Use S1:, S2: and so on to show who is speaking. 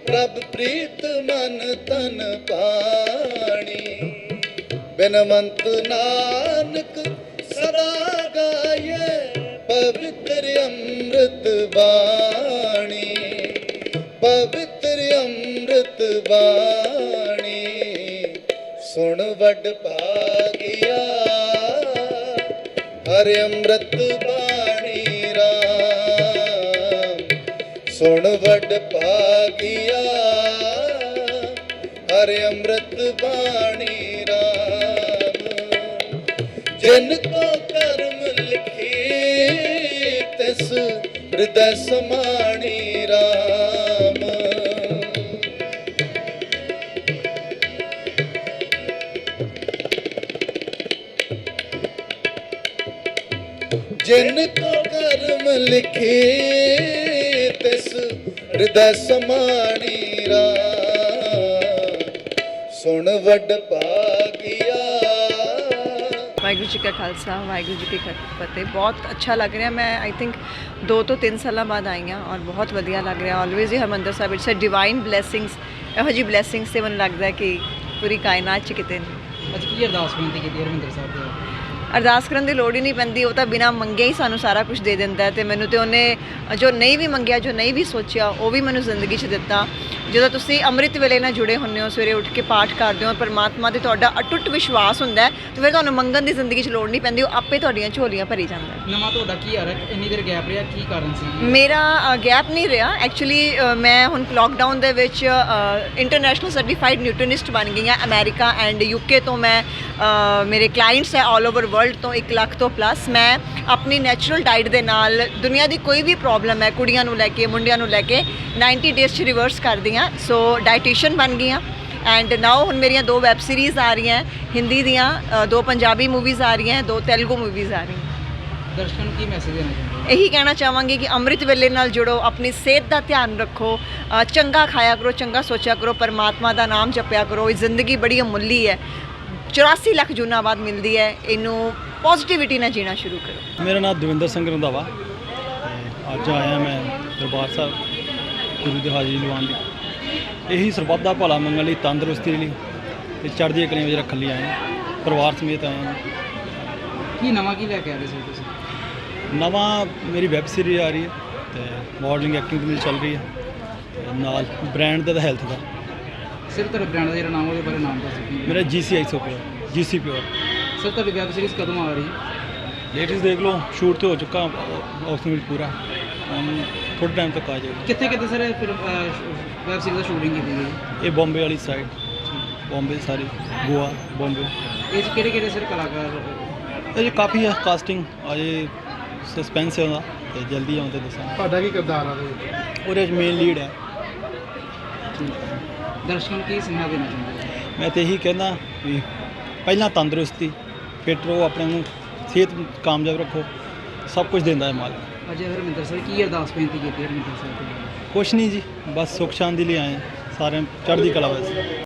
S1: ਪ੍ਰਭ ਪ੍ਰੀਤ ਮਨ ਤਨ ਪਾਣੀ। ਬਿਨਵੰਤ ਨਾਨਕ ਸਦਾ ਗਾਏ ਪਵਿੱਤਰ ਅੰਮ੍ਰਿਤ ਬਾਣੀ। ਪਵਿੱਤਰ ਅੰਮ੍ਰਿਤ ਬਾਣੀ ਸੁਣ ਵੱਡ ਭਾਗਿਆ ਹਰਿ ਅੰਮ੍ਰਿਤ ਬਾਣੀ ਰਾਮ। ਸੁਣ ਵੱਡ ਭਾਗਿਆ ਹਰਿ ਅੰਮ੍ਰਿਤ ਬਾਣੀ ਰਾਮ। ਜਿਨ ਕੋ ਕਰਮ ਲਿਖੀ ਤਿਸ ਹਿਰਦੈ ਸਮਾਣੀ ਰਾਮ। ਜਿਨ ਕੋ ਕਰਮ ਲਿਖੇ ਤਿਸ ਹਿਰਦੈ ਸਮਾਣੀ ਰਾਮ। ਸੁਣ ਵੱਡ ਭਾਗਿਆ।
S2: ਵਾਹਿਗੁਰੂ ਜੀ ਕਾ ਖਾਲਸਾ ਵਾਹਿਗੁਰੂ ਜੀ ਕੀ ਫਤਿਹ। ਬਹੁਤ ਅੱਛਾ ਲੱਗ ਰਿਹਾ। ਮੈਂ ਆਈ ਥਿੰਕ 2 ਤੋਂ 3 ਸਾਲਾਂ ਬਾਅਦ ਆਈ ਹਾਂ ਔਰ ਬਹੁਤ ਵਧੀਆ ਲੱਗ ਰਿਹਾ। ਆਲਵੇਜ਼ ਹੀ Harmandir Sahib it's a divine blessings. ਇਹੋ ਜਿਹੀ ਬਲੇਸਿੰਗਸ ਤੇ ਮੈਨੂੰ ਲੱਗਦਾ ਕਿ ਪੂਰੀ ਕਾਇਨਾਤ 'ਚ ਕਿਤੇ ਨਹੀਂ।
S3: ਅੱਜ ਕੀ ਅਰਦਾਸ ਬੇਨਤੀ ਕੀਤੀ ਹਰਿਮੰਦਰ ਸਾਹਿਬ ਦੇ?
S2: ਅਰਦਾਸ ਕਰਨ ਦੀ ਲੋੜ ਹੀ ਨਹੀਂ ਪੈਂਦੀ। ਉਹ ਤਾਂ ਬਿਨਾਂ ਮੰਗੇ ਹੀ ਸਾਨੂੰ ਸਾਰਾ ਕੁਝ ਦੇ ਦਿੰਦਾ ਹੈ। ਅਤੇ ਮੈਨੂੰ ਤਾਂ ਉਹਨੇ ਜੋ ਨਹੀਂ ਵੀ ਮੰਗਿਆ, ਜੋ ਨਹੀਂ ਵੀ ਸੋਚਿਆ, ਉਹ ਵੀ ਮੈਨੂੰ ਜ਼ਿੰਦਗੀ 'ਚ ਦਿੱਤਾ। ਜਦੋਂ ਤੁਸੀਂ ਅੰਮ੍ਰਿਤ ਵੇਲੇ ਨਾਲ ਜੁੜੇ ਹੁੰਦੇ ਹੋ, ਸਵੇਰੇ ਉੱਠ ਕੇ ਪਾਠ ਕਰਦੇ ਹੋ, ਪਰਮਾਤਮਾ 'ਤੇ ਤੁਹਾਡਾ ਅਟੁੱਟ ਵਿਸ਼ਵਾਸ ਹੁੰਦਾ ਹੈ, ਅਤੇ ਫਿਰ ਤੁਹਾਨੂੰ ਮੰਗਣ ਦੀ ਜ਼ਿੰਦਗੀ 'ਚ ਲੋੜ ਨਹੀਂ ਪੈਂਦੀ। ਉਹ ਆਪੇ ਤੁਹਾਡੀਆਂ ਝੋਲੀਆਂ ਭਰੀ ਜਾਂਦਾ ਹੈ।
S3: ਨਵਾਂ ਤੁਹਾਡਾ ਕੀ ਆ ਰਿਹਾ? ਇੰਨੀ ਦੇਰ ਗੈਪ ਰਿਹਾ, ਕੀ ਕਾਰਨ ਸੀ?
S2: ਮੇਰਾ ਗੈਪ ਨਹੀਂ ਰਿਹਾ ਐਕਚੁਅਲੀ। ਮੈਂ ਹੁਣ ਲੋਕਡਾਊਨ ਦੇ ਵਿੱਚ ਇੰਟਰਨੈਸ਼ਨਲ ਸਰਟੀਫਾਈਡ ਨਿਊਟ੍ਰੀਨਿਸਟ ਬਣ ਗਈ ਹਾਂ। ਅਮਰੀਕਾ ਐਂਡ UK ਤੋਂ ਮੈਂ ਮੇਰੇ ਕਲਾਇੰਟਸ ਹੈ ਆਲ ਓਵਰ ਵਰਲਡ ਤੋਂ 1 ਲੱਖ ਤੋਂ ਪਲੱਸ। ਮੈਂ ਆਪਣੀ ਨੈਚੁਰਲ ਡਾਈਟ ਦੇ ਨਾਲ ਦੁਨੀਆ ਦੀ ਕੋਈ ਵੀ ਪ੍ਰੋਬਲਮ ਹੈ, ਕੁੜੀਆਂ ਨੂੰ ਲੈ ਕੇ, ਮੁੰਡਿਆਂ ਨੂੰ ਲੈ ਕੇ 90 ਡੇਜ਼ 'ਚ ਰਿਵਰਸ ਕਰਦੀ ਹਾਂ। ਸੋ ਡਾਈਟੀਸ਼ੀਅਨ ਬਣ ਗਈ ਹਾਂ। ਐਂਡ ਨਾਓ ਹੁਣ ਮੇਰੀਆਂ 2 ਵੈੱਬ ਸੀਰੀਜ਼ ਆ ਰਹੀਆਂ ਹਿੰਦੀ ਦੀਆਂ, 2 ਪੰਜਾਬੀ ਮੂਵੀਜ਼ ਆ ਰਹੀਆਂ, 2 ਤੇਲਗੂ ਮੂਵੀਜ਼ ਆ ਰਹੀਆਂ।
S3: ਦਰਸ਼ਕਾਂ ਨੂੰ ਕੀ ਮੈਸੇਜ ਦੇਣਾ ਚਾਹੁੰਦੇ?
S2: ਇਹੀ ਕਹਿਣਾ ਚਾਹਾਂਗੀ ਕਿ ਅੰਮ੍ਰਿਤ ਵੇਲੇ ਨਾਲ ਜੁੜੋ, ਆਪਣੀ ਸਿਹਤ ਦਾ ਧਿਆਨ ਰੱਖੋ, ਚੰਗਾ ਖਾਇਆ ਕਰੋ, ਚੰਗਾ ਸੋਚਿਆ ਕਰੋ, ਪਰਮਾਤਮਾ ਦਾ ਨਾਮ ਜਪਿਆ ਕਰੋ। ਇਹ ਜ਼ਿੰਦਗੀ ਬੜੀ ਅਮੁੱਲੀ ਹੈ, 84 ਲੱਖ ਜੂਨਾਂ ਬਾਅਦ ਮਿਲਦੀ ਹੈ। ਇਹਨੂੰ ਪੋਜ਼ਿਟਿਵਿਟੀ ਨਾਲ ਜੀਣਾ ਸ਼ੁਰੂ ਕਰੋ।
S4: ਮੇਰਾ ਨਾਮ ਦਵਿੰਦਰ ਸਿੰਘ ਰੰਧਾਵਾ। ਅੱਜ ਆਇਆ ਮੈਂ ਦਰਬਾਰ ਸਾਹਿਬ ਗੁਰੂ ਦੀ ਹਾਜ਼ਰੀ ਲਵਾਉਣ ਲਈ। ਇਹੀ ਸਰਬੱਤ ਦਾ ਭਲਾ ਮੰਗਣ ਲਈ, ਤੰਦਰੁਸਤੀ ਲਈ ਅਤੇ ਚੜ੍ਹਦੀਆਂ ਕਲੀਆਂ ਵਿੱਚ ਰੱਖਣ ਲਈ ਆਏ ਹਾਂ। ਪਰਿਵਾਰ ਸਮੇਤ ਆਏ ਹਾਂ।
S3: ਕੀ ਨਵਾਂ ਕੀ ਲੈ ਕੇ ਆ ਰਹੇ ਸੀ ਤੁਸੀਂ?
S4: ਨਵਾਂ ਮੇਰੀ ਵੈੱਬ ਸੀਰੀਜ਼ ਆ ਰਹੀ ਹੈ ਅਤੇ ਮਾਡਲਿੰਗ ਐਕਟਿੰਗ ਮੇਰੀ ਚੱਲ ਰਹੀ ਹੈ, ਤੇ ਨਾਲ ਬ੍ਰਾਂਡ ਦਾ ਹੈਲਥ ਦਾ।
S3: ਸਿਰ ਤੁਹਾਡੇ ਬ੍ਰਾਂਡ ਦਾ ਜਿਹੜਾ ਨਾਮ ਉਹਦੇ ਬਾਰੇ ਨਾਮ ਦੱਸੋ ਕੀ?
S4: ਮੇਰਾ GCI pure, GC pure.
S3: Sir ਤੁਹਾਡੀ ਵੈਬ ਸੀਰੀਜ਼ ਕਦੋਂ ਆ ਰਹੀ ਹੈ?
S4: ਲੇਟੈਸਟ ਦੇਖ ਲਓ, ਸ਼ੂਟ ਤੇ ਹੋ ਚੁੱਕਾ ਆਕਸੀਮਿਲ ਪੂਰਾ, ਥੋੜ੍ਹੇ ਟਾਈਮ ਤੱਕ ਆ ਜਾਏਗਾ।
S3: ਕਿੱਥੇ ਕਿੱਥੇ ਸਰ ਫਿਰ ਵੈਬ ਸੀਰੀਜ਼ ਦਾ ਸ਼ੂਟਿੰਗ ਕੀਤੀ ਗਈ?
S4: ਇਹ ਬੰਬੇ ਵਾਲੀ ਸਾਈਡ, ਬੰਬੇ ਸਾਰੀ, ਗੋਆ, ਬੰਬੇ।
S3: ਇਹ 'ਚ ਕਿਹੜੇ ਕਿਹੜੇ ਸਰ ਕਲਾਕਾਰ?
S4: ਇਹ ਕਾਫੀ ਹੈ ਕਾਸਟਿੰਗ, ਅਜੇ ਸਸਪੈਂਸ ਹੈ ਉਹਦਾ, ਅਤੇ ਜਲਦੀ ਆਉਣ 'ਤੇ ਦੱਸਾਂ।
S3: ਤੁਹਾਡਾ ਕੀ ਕਿਰਦਾਰ ਆ ਉਹਦੇ?
S4: ਉਹਦੇ 'ਚ ਮੇਨ ਲੀਡ ਹੈ।
S3: ਦਰਸ਼ਕਾਂ ਨੂੰ ਕੀ ਸੁਨੇਹਾ ਦੇਣਾ ਚਾਹੁੰਦੇ?
S4: ਮੈਂ ਤਾਂ ਇਹੀ ਕਹਿੰਦਾ ਵੀ ਪਹਿਲਾਂ ਤੰਦਰੁਸਤੀ, ਫਿੱਟ ਰਹੋ, ਆਪਣੇ ਨੂੰ ਸਿਹਤ ਕਾਮਯਾਬ ਰੱਖੋ, ਸਭ ਕੁਝ ਦਿੰਦਾ ਹੈ ਮਾਲਕ।
S3: ਅਜੇ ਹਰਿਮੰਦਰ ਸਾਹਿਬ ਕੀ ਅਰਦਾਸ ਬੇਨਤੀ ਕੀਤੀ ਹਰਿਮੰਦਰ ਸਾਹਿਬ ਦੇ?
S4: ਕੁਛ ਨਹੀਂ ਜੀ, ਬਸ ਸੁੱਖ ਸ਼ਾਂਤੀ ਲਈ ਆਏ ਹਾਂ, ਸਾਰਿਆਂ ਚੜ੍ਹਦੀ ਕਲਾ ਵੈਸੇ।